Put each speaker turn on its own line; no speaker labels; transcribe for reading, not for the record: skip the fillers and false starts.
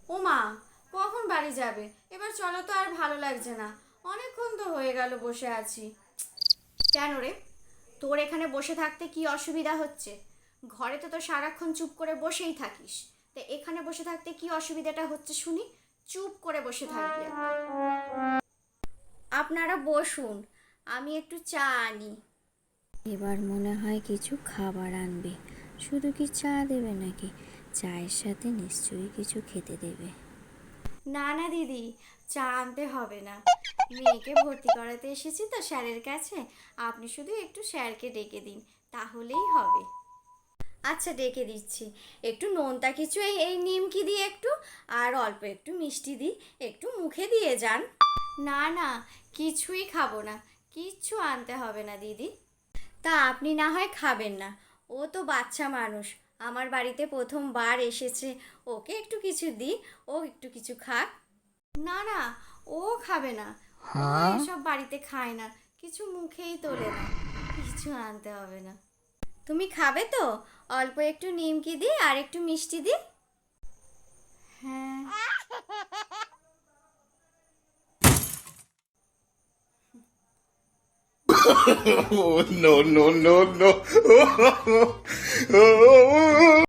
ও মা, কখন বাড়ি যাবে? এবার চলো তো, আর ভালো লাগছে না। অনেকক্ষণ তো হয়ে গেল বসে আছি। কেন রে, তোর এখানে বসে থাকতে কি অসুবিধা হচ্ছে? ঘরে তো সারাক্ষণ চুপ করে বসেই থাকিস। তো এখানে বসে থাকতে কি অসুবিধাটা হচ্ছে শুনি? চুপ করে বসে থাকবি আর কি। আপনারা বসুন, আমি একটু চা আনি।
এবার মনে হয় কিছু খাবার আনবে। শুধু কি চা দেবে নাকি? চায়ের সাথে নিশ্চয়ই কিছু খেতে দেবে।
না না দিদি, চা আনতে হবে না। মেয়েকে ভর্তি করাতে এসেছি তো স্যারের কাছে। আপনি শুধু একটু স্যারকে ডেকে দিন, তাহলেই হবে। আচ্ছা, ডেকে দিচ্ছি। একটু নোনতা কিছু এই এই নিমকি দিয়ে একটু, আর অল্প একটু মিষ্টি দিই, একটু মুখে দিয়ে যান। না না, কিছুই খাবো না। কিচ্ছু আনতে হবে না দিদি। তা আপনি না হয় খাবেন না। ও তো বাচ্চা মানুষ, আমার বাড়িতে প্রথমবার এসেছে। ওকে একটু কিছু দিই, ও একটু কিছু খাক। না না, ও খাবে না। ও এসব বাড়িতে খায় না, কিছু মুখেই তোলে না। কিছু আনতে হবে না। তুমি খাবে তো? অল্প একটু নিমকি দি আর একটু মিষ্টি দি। হ্যাঁ।
Oh, no, no, no, no.